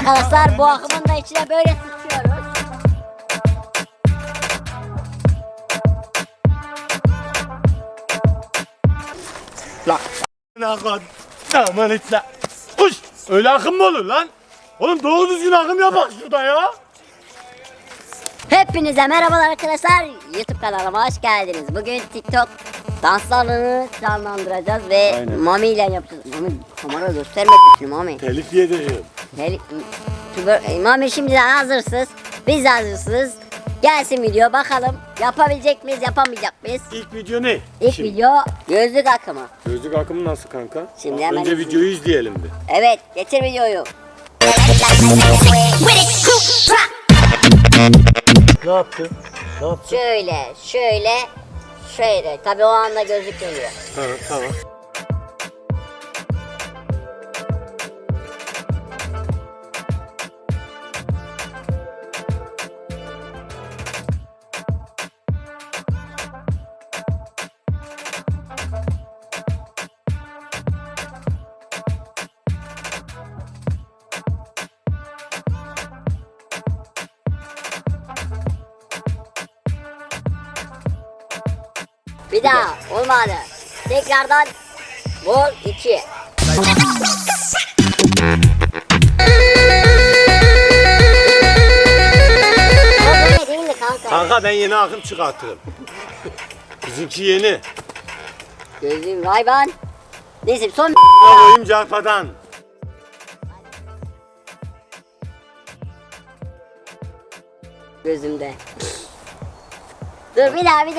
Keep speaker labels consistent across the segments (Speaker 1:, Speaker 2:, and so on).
Speaker 1: arkadaşlar, bu akımın da içine böyle sıçıyoruz.
Speaker 2: Lan akın. Aman içle. Uş. Öyle akım mı olur lan? Oğlum doğru düzgün akım yapak şurada ya.
Speaker 1: Hepinize merhabalar arkadaşlar. YouTube kanalıma hoş geldiniz. Bugün TikTok danslarını canlandıracağız ve
Speaker 2: Aynen.
Speaker 1: Mami ile yapacağız. Mami kamera göstermek için Mami.
Speaker 2: Telif yediriyor.
Speaker 1: Mami şimdiden hazırsınız. Biz de hazırsınız. Gelsin video, bakalım yapabilecek miyiz, yapamayacak mıyız?
Speaker 2: İlk video ne?
Speaker 1: İlk video gözlük akımı.
Speaker 2: Gözlük akımı nasıl kanka?
Speaker 1: Şimdi hemen
Speaker 2: Önce videoyu izleyelim bir.
Speaker 1: Evet, getir videoyu.
Speaker 2: Ne yaptı? Ne yaptı?
Speaker 1: Şöyle. Tabii o anda gözlük geliyor.
Speaker 2: Tamam.
Speaker 1: Bir daha olmadı. Tekrardan vol 2. Böyle değil mi kanka?
Speaker 2: Kanka ben yeni akım çıkartırım. Bizimki yeni.
Speaker 1: Gözlüğüm Ray-Ban. Neyse son
Speaker 2: Oyun carpadan.
Speaker 1: gözümde. Dur bir daha.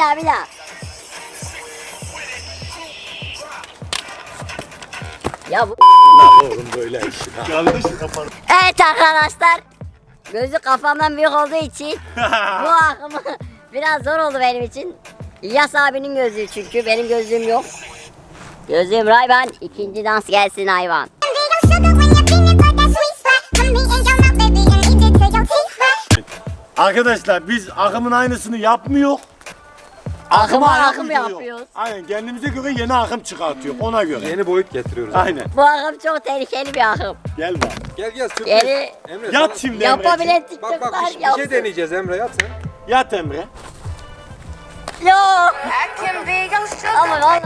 Speaker 1: Ya bu
Speaker 2: Lan oğlum böyle işi. Yanlış yaparım.
Speaker 1: Evet arkadaşlar. Gözü kafamdan büyük olduğu için bu akımı biraz zor oldu benim için. İlyas abinin gözlüğü çünkü benim gözlüğüm yok. Gözlüğüm Ray-Ban. İkinci dans gelsin hayvan.
Speaker 2: Arkadaşlar biz akımın aynısını yapmıyor.
Speaker 1: Akım
Speaker 2: uyduruyor.
Speaker 1: yapıyoruz.
Speaker 2: Aynen, kendimize göre yeni akım çıkartıyor ona göre.
Speaker 3: Yeni boyut getiriyoruz.
Speaker 2: Aynen.
Speaker 1: Bu akım çok tehlikeli bir akım.
Speaker 2: Gel bak.
Speaker 3: Gel sürpriz.
Speaker 1: Geri
Speaker 3: Emre
Speaker 2: Yat
Speaker 3: sana-
Speaker 2: şimdi
Speaker 1: yapabilen
Speaker 2: Emre'ciğim.
Speaker 3: Bak
Speaker 1: TikTok'lar
Speaker 3: bir şey
Speaker 1: yapsın.
Speaker 3: deneyeceğiz Emre, yat sen.
Speaker 2: Yat Emre.
Speaker 1: Yok. Ama vallahi.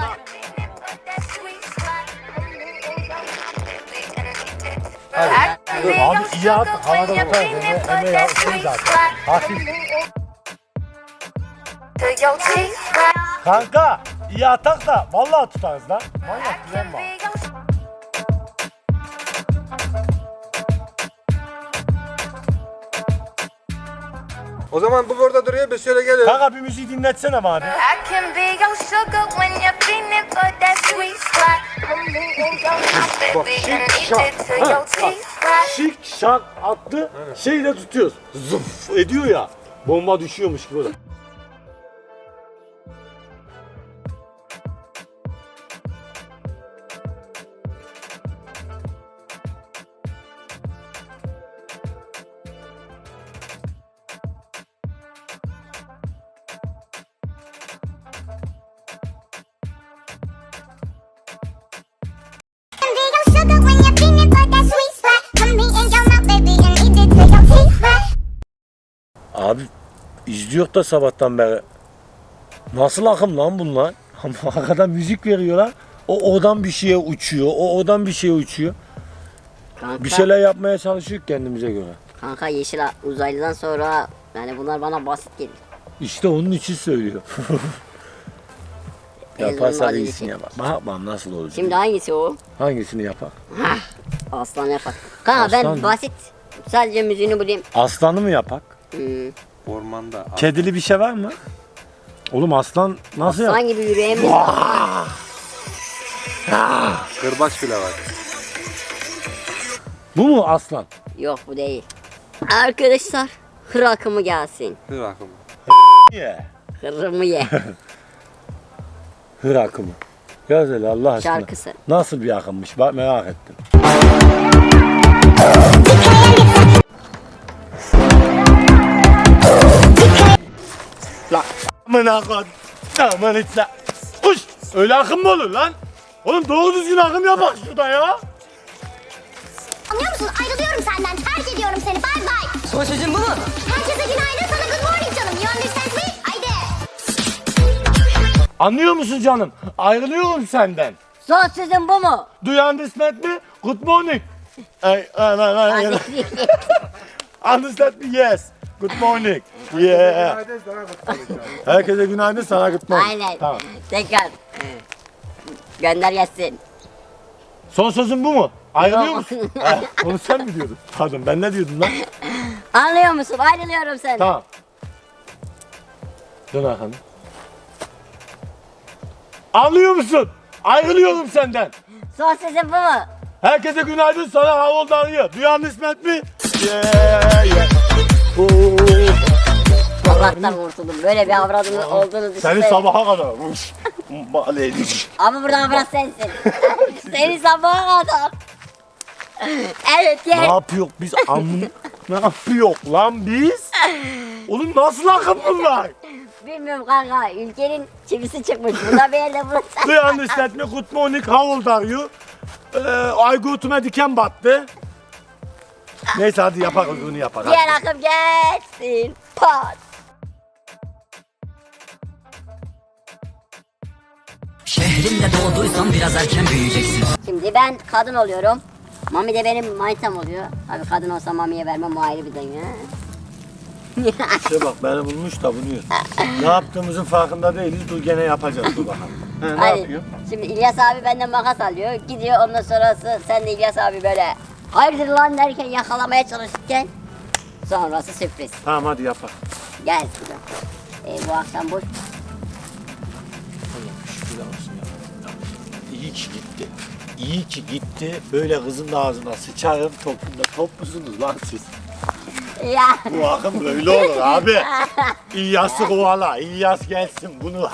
Speaker 2: Abi iyi at, havada tutar. Emre yapsın zaten. Hafif. Kanka iyi atak da vallahi tutarız lan. Manyak güzel bak.
Speaker 3: O zaman bu burada duruyor, biz şöyle geliyoruz.
Speaker 2: Kanka bir müziği dinletsene bana.
Speaker 4: I can be your sugar when you're feeling for that sweet spot. Baby, and eat it till your teeth rot.
Speaker 2: Şık şak attı, şeyle tutuyoruz. Zıf ediyor ya. Bomba düşüyormuş gibi. Abi izliyor da sabahtan beri. Nasıl akım lan bunlar? Arkadan müzik veriyorlar. O odan bir şeye uçuyor. O odan bir şeye uçuyor.
Speaker 1: Kanka,
Speaker 2: Bir şeyler yapmaya çalışıyor kendimize göre.
Speaker 1: kanka yeşil uzaylıdan sonra yani bunlar bana basit geliyor.
Speaker 2: İşte onun için söylüyor. Yaparsak
Speaker 1: Ezberim
Speaker 2: iyisini yapar. Bak nasıl olacak.
Speaker 1: Şimdi hangisi o?
Speaker 2: Hangisini yapar?
Speaker 1: Aslan yapar. Kanka
Speaker 2: Aslan
Speaker 1: ben
Speaker 2: mı?
Speaker 1: basit sadece müziğini bulayım.
Speaker 2: Aslanı mı yapak?
Speaker 3: Ormanda.
Speaker 2: Kedili bir şey var mı? Oğlum aslan nasıl yap?
Speaker 1: Aslan gibi yüreğimiz var.
Speaker 3: Kırbaç bile var.
Speaker 2: Bu mu aslan?
Speaker 1: Yok bu değil. Arkadaşlar hır akımı gelsin.
Speaker 3: Dur bakalım.
Speaker 2: Niye?
Speaker 1: Hırımı ye.
Speaker 2: Hır akımı. Yaz hele Allah aşkına.
Speaker 1: Şarkısı.
Speaker 2: Nasıl bir akımmış bak merak ettim. Lan amına kod. Aman içle. Uş. Öyle akım mı olur lan? Oğlum doğru düzgün akım yapak şurada ya.
Speaker 5: Anlıyor musun? Ayrılıyorum senden. Terk ediyorum. öpüyorum seni. Bye bye.
Speaker 6: Son sözün bu mu?
Speaker 5: Herkese günaydın. Sana good morning canım. You understand me? Haydi.
Speaker 2: Anlıyor musun canım? Ayrılıyorum senden.
Speaker 1: Son sözün bu mu?
Speaker 2: Do you understand me? Good morning. Ay. Understand me? Yes. Good morning. Yeah.
Speaker 3: Günaydın sana kutlu.
Speaker 2: Herkese günaydın, sana good morning.
Speaker 1: Aynen.
Speaker 2: Tamam.
Speaker 1: Tekrar. Gönder gelsin.
Speaker 2: Son sözün bu mu? Ayrılıyor
Speaker 1: Yok.
Speaker 2: musun? Ha, onu sen mi diyordun? Pardon, ben ne diyordum lan?
Speaker 1: Anlıyor musun? Ayrılıyorum senden.
Speaker 2: Tamam. Dön arkanı. Anlıyor musun? Ayrılıyorum senden.
Speaker 1: Son sözün bu mu?
Speaker 2: Herkese günaydın, sana Havolda arıyor. Do you understand me? Yeah.
Speaker 1: Allah'tan kurtuldum. Böyle bir avradın olduğunu
Speaker 2: Seni
Speaker 1: düşünsene.
Speaker 2: sabaha kadar.
Speaker 1: Ama burada avrat sensin. Seni sabaha kadar. Evet
Speaker 2: Ne
Speaker 1: gel.
Speaker 2: yapıyor biz amın? Ne yapıyor lan biz? Oğlum nasıl akım bunlar?
Speaker 1: Bilmiyorum kanka. Ülkenin çivisi çıkmış. Burada bir yerde burası.
Speaker 2: Do you understand me? Good morning, how old are you? Aygut'uma diken battı. Neyse hadi yapak bunu yapak.
Speaker 1: Diğer akım gelsin. Pat.
Speaker 6: Şehrimde doğduysan biraz erken büyüyeceksin.
Speaker 1: Şimdi ben kadın oluyorum. Mami de benim manitam oluyor. Abi kadın olsa Mami'ye vermem, o ayrı bir dünya.
Speaker 2: İşte bak beni bulmuş da bunu. Ne yaptığımızın farkında değiliz. Dur gene yapacağız, dur bakalım. Ne
Speaker 1: Hadi.
Speaker 2: yapıyor?
Speaker 1: Şimdi İlyas abi benden makas alıyor. Gidiyor, ondan sonrası sen de İlyas abi böyle hayırdır lan derken yakalamaya çalışırken sonrası sürpriz.
Speaker 2: Tamam hadi yapak.
Speaker 1: Gel şuradan. Bu akşam boş.
Speaker 2: Allah'ım şükürler olsun ya. İyi ki gitti. İyi ki gitti. Böyle kızın ağzına sıçarım topunda. Top musunuz lan siz?
Speaker 1: Ya.
Speaker 2: Bu akım böyle olur abi. İlyas'ı kovala. İlyas gelsin bunu.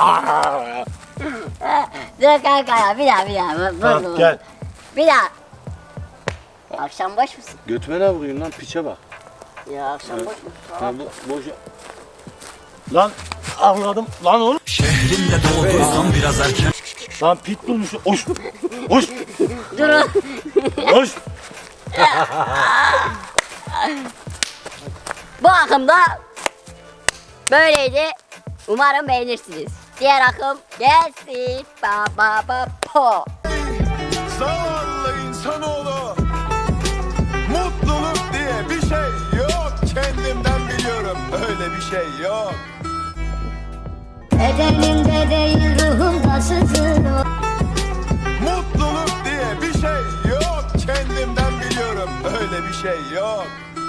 Speaker 1: Dur kanka ya, bir daha.
Speaker 2: Tamam gel.
Speaker 1: Bir daha. Akşam boş musun?
Speaker 2: Götüme ne vuruyorsun lan, piçe bak.
Speaker 1: Ya akşam boş musun?
Speaker 2: Ya boş. Lan anladım. Lan oğlum.
Speaker 6: Şehrimde doğduysan biraz erken.
Speaker 2: Lan pit bulmuş. Hoş. Hoş.
Speaker 1: Durun.
Speaker 2: Hoş.
Speaker 1: Bu akımda böyleydi. Umarım beğenirsiniz. Diğer akım gelsin. Ba ba ba po.
Speaker 7: Zavallı insanoğlu, mutluluk diye bir şey yok. Kendimden biliyorum, öyle bir şey yok.
Speaker 5: Bedenimde değil ruhumda sızıyor.
Speaker 7: Mutluluk diye bir şey yok. Kendimden biliyorum, öyle bir şey yok.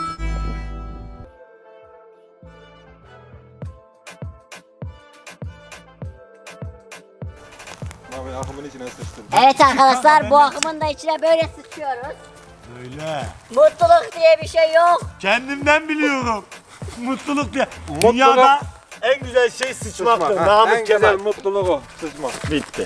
Speaker 3: Abi akımın içine sıçtım.
Speaker 1: Evet arkadaşlar, bu akımın da içine böyle sıçıyoruz.
Speaker 2: Öyle.
Speaker 1: Mutluluk diye bir şey yok.
Speaker 2: Kendimden biliyorum. Mutluluk diye.
Speaker 3: Mutluluk-
Speaker 2: Dünyada en güzel şey sıçmaktır.
Speaker 3: Sıçma. Ha,
Speaker 2: Namık
Speaker 3: en
Speaker 2: Kemal.
Speaker 3: güzel mutluluk o. Sıçma.
Speaker 2: Bitti.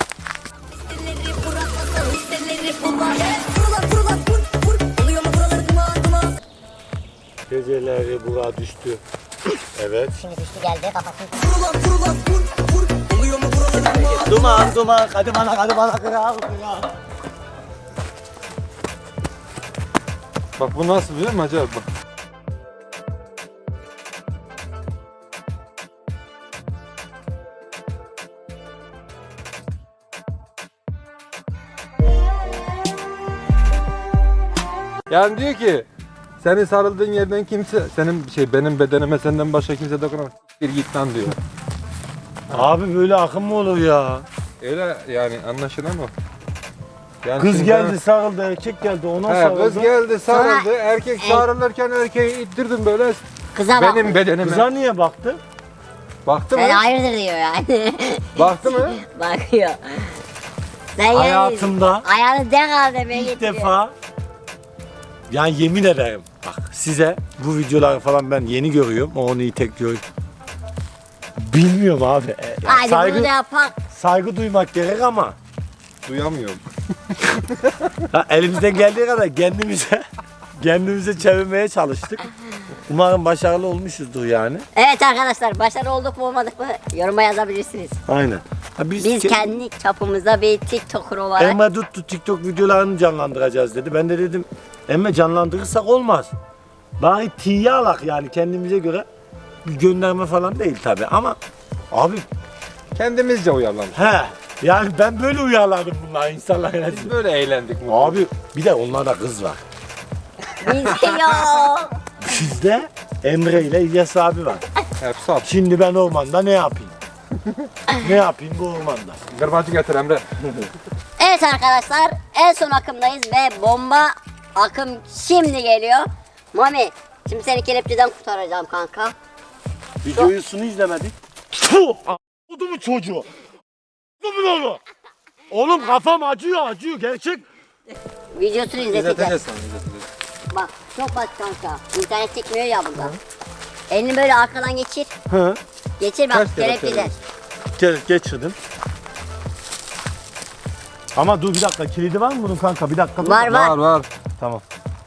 Speaker 2: Geceleri bura düştü. Evet.
Speaker 1: Şimdi düştü geldi kafasını.
Speaker 2: Duman hadi bana kral.
Speaker 3: Bak bu nasıl biliyor musun acaba? Bak. Yani diyor ki senin sarıldığın yerden kimse benim bedenime senden başka kimse dokunamaz. Bir git lan diyor.
Speaker 2: Abi böyle akım mı olur ya?
Speaker 3: Öyle yani anlaşılan o. Yani
Speaker 2: Kız
Speaker 3: şimdi
Speaker 2: geldi sarıldı, erkek geldi ona
Speaker 3: He,
Speaker 2: sarıldı.
Speaker 3: kız geldi sarıldı.
Speaker 1: Sonra-
Speaker 3: Erkek sarılırken erkeği ittirdim böyle
Speaker 1: Kıza bak.
Speaker 3: benim bedenime.
Speaker 2: Kıza niye baktı?
Speaker 3: Baktı
Speaker 1: Sen
Speaker 3: mı?
Speaker 1: hayırdır diyor yani.
Speaker 3: Baktı mı?
Speaker 1: Bakıyor. Sen
Speaker 2: Hayatımda
Speaker 1: yani ayağını denk al demeye
Speaker 2: İlk
Speaker 1: getiriyor.
Speaker 2: defa, yani yemin ederim bak size bu videoları falan ben yeni görüyorum. O onu iyi tek görüyor. Bilmiyorum abi.
Speaker 1: Hadi bunu da yapak.
Speaker 2: saygı duymak gerek ama
Speaker 3: Duyamıyorum.
Speaker 2: elimizden geldiği kadar kendimize çevirmeye çalıştık. Umarım başarılı olmuşuzdur yani.
Speaker 1: Evet arkadaşlar, başarılı olduk mu olmadık mı yoruma yazabilirsiniz.
Speaker 2: Aynen. Ha,
Speaker 1: Biz kendi çapımızda bir TikToker olarak
Speaker 2: Emma tuttu TikTok videolarını canlandıracağız dedi. Ben de dedim Emma canlandırırsak olmaz. Bari tiye alak yani kendimize göre bir gönderme falan değil tabi ama abi
Speaker 3: Kendimizce uyarlamış.
Speaker 2: he yani ben böyle uyarladım bunlar insanlar
Speaker 3: Biz
Speaker 2: arasında.
Speaker 3: böyle eğlendik.
Speaker 2: Abi bir de onlarda kız var.
Speaker 1: Bizde yok.
Speaker 2: Bizde Emre ile İlyas abi var.
Speaker 3: Hepsi at.
Speaker 2: Şimdi ben ormanda ne yapayım? Ne yapayım bu ormanda?
Speaker 3: Gırbacı getir Emre.
Speaker 1: Evet arkadaşlar en son akımdayız ve bomba akım şimdi geliyor. Mami şimdi seni kelepçeden kurtaracağım kanka.
Speaker 2: Videosunu izlemedik. Puh! Oldu mu çocuğu? Oldu mu onu? Oğlum kafam acıyor gerçek.
Speaker 1: Videosunu izleteceğiz.
Speaker 3: İzleteceğiz sana, izleteceğiz.
Speaker 1: Bak çok basit kanka. İnternet çekmiyor ya burada. Elini böyle arkadan geçir.
Speaker 2: Hı.
Speaker 1: Geçir bak
Speaker 3: Kaç kere
Speaker 1: kelepçeden.
Speaker 2: Geçirdim. Ama dur bir dakika kilidi var mı bunun kanka bir dakika. dur.
Speaker 1: Var var.
Speaker 3: Var.
Speaker 2: Tamam.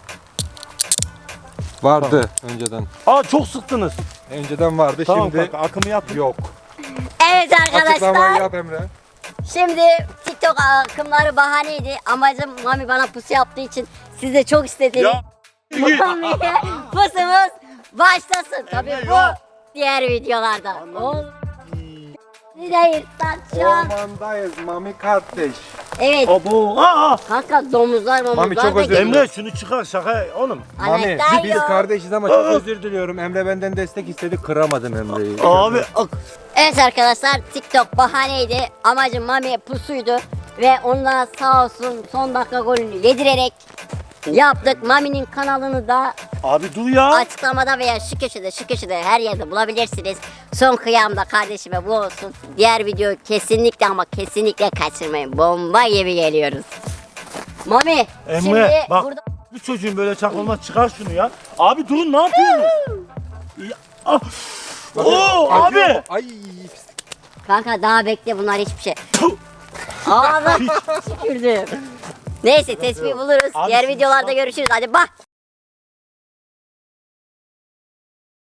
Speaker 3: Vardı önceden.
Speaker 2: Aa çok sıktınız.
Speaker 3: Önceden vardı
Speaker 2: Tamam
Speaker 3: şimdi
Speaker 2: kanka akımı yapın.
Speaker 3: yok.
Speaker 1: Evet
Speaker 3: Açıklamayı
Speaker 1: arkadaşlar.
Speaker 3: yap Emre.
Speaker 1: Şimdi TikTok akımları bahaneydi. Amacım Mami bana pusu yaptığı için siz de çok istediğiniz
Speaker 2: Ya.
Speaker 1: Mami'ye pusumuz başlasın. Tabii
Speaker 2: Emre,
Speaker 1: bu
Speaker 2: yok.
Speaker 1: diğer videolarda. Değil şu an.
Speaker 3: Ormandayız Mami kardeş.
Speaker 1: Evet
Speaker 2: Abo. Aa.
Speaker 1: kanka domuzlar
Speaker 3: Mami, çok
Speaker 1: da
Speaker 3: özür
Speaker 1: geliyor.
Speaker 3: dilerim.
Speaker 2: Emre şunu çıkar şaka oğlum.
Speaker 3: Mami
Speaker 1: Anahtar
Speaker 3: biz
Speaker 1: yok.
Speaker 3: kardeşiz ama çok özür diliyorum. Emre benden destek istedi, kıramadım Emre'yi.
Speaker 2: Abi
Speaker 1: Evet arkadaşlar TikTok bahaneydi. Amacım Mami'ye pusuydu. Ve onunla sağ olsun son dakika golünü yedirerek yaptık. Mami'nin kanalını da
Speaker 2: abi dur ya.
Speaker 1: açıklamada veya şu köşede her yerde bulabilirsiniz. Son kıyamda kardeşime bu olsun. Diğer videoyu kesinlikle ama kesinlikle kaçırmayın. Bomba gibi geliyoruz. Mami
Speaker 2: Emre
Speaker 1: şimdi
Speaker 2: bak
Speaker 1: burada
Speaker 2: bu çocuğun böyle çakılmaz çıkar şunu ya. Abi durun ne yapıyorsunuz? Ya, ah. Oo
Speaker 3: Acıyor
Speaker 2: abi.
Speaker 3: mu? Ay
Speaker 1: kanka daha bekle bunlar hiçbir şey.
Speaker 2: Puh.
Speaker 1: Ağzım tükürdüm. Neyse tespih buluruz.
Speaker 2: Abi
Speaker 1: Diğer
Speaker 2: şimdi
Speaker 1: videolarda
Speaker 2: bak-
Speaker 1: görüşürüz. Hadi bak.